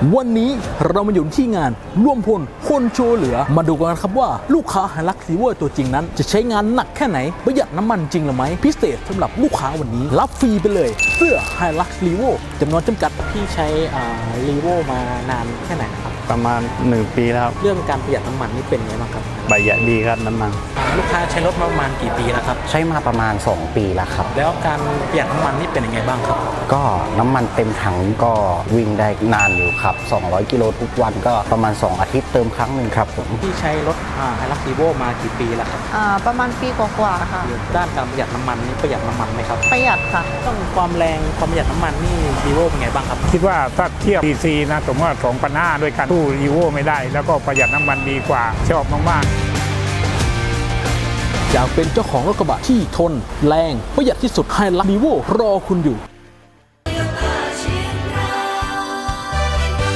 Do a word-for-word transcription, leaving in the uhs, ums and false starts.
วันนี้เรามาอยู่ที่งานร่วมพลคนโชว์เหลือมาดูกันครับว่าลูกค้าไฮลักซ์รีโวตัวจริงนั้นจะใช้งานหนักแค่ไหนประหยัดน้ำมันจริงหรือไม่พิเศษสำหรับลูกค้าวันนี้รับฟรีไปเลยเสื้อไฮลักซ์รีโวจำนวนจำกัดพี่ใช้รีโวมานานแค่ไหนนะครับประมาณหนึ่งปีแล้วครับเรื่องการประหยัดน้ำมันนี่เป็นไงบ้างครับประหยัดดีครับน้ำมันลูกค้าใช้รถมาประมาณกี่ปีแล้วครับใช้มาประมาณสองปีแล้วครับแล้วการประหยัดน้ำมันนี่เป็นยังไงบ้างครับก็น้ำมันเต็มถังก็วิ่งได้นานอยู่ครับสองร้อยกิโลทุกวันก็ประมาณสองอาทิตย์เติมครั้งหนึ่งครับผมพี่ใช้รถไฮลักซ์รีโวมากี่ปีแล้วครับอ่าประมาณปีกว่าๆค่ะด้านการประหยัดน้ำมันนี่ประหยัดน้ำมันไหมครับประหยัดค่ะต้องความแรงความประหยัดน้ำมันนี่รีโวเป็นไงบ้างครับคิดว่าถ้าเทียบ ซี ซี นะสมมติว่าสองพันห้าร้อยด้วยกันสู้รีโวไม่ได้แล้วก็ประหยัดน้ำมันดีกว่าชอบมากๆอยากเป็นเจ้าของรถกระบะที่ทนแรงประหยัดที่สุดไฮลักซ์รีโวรอคุณอยู่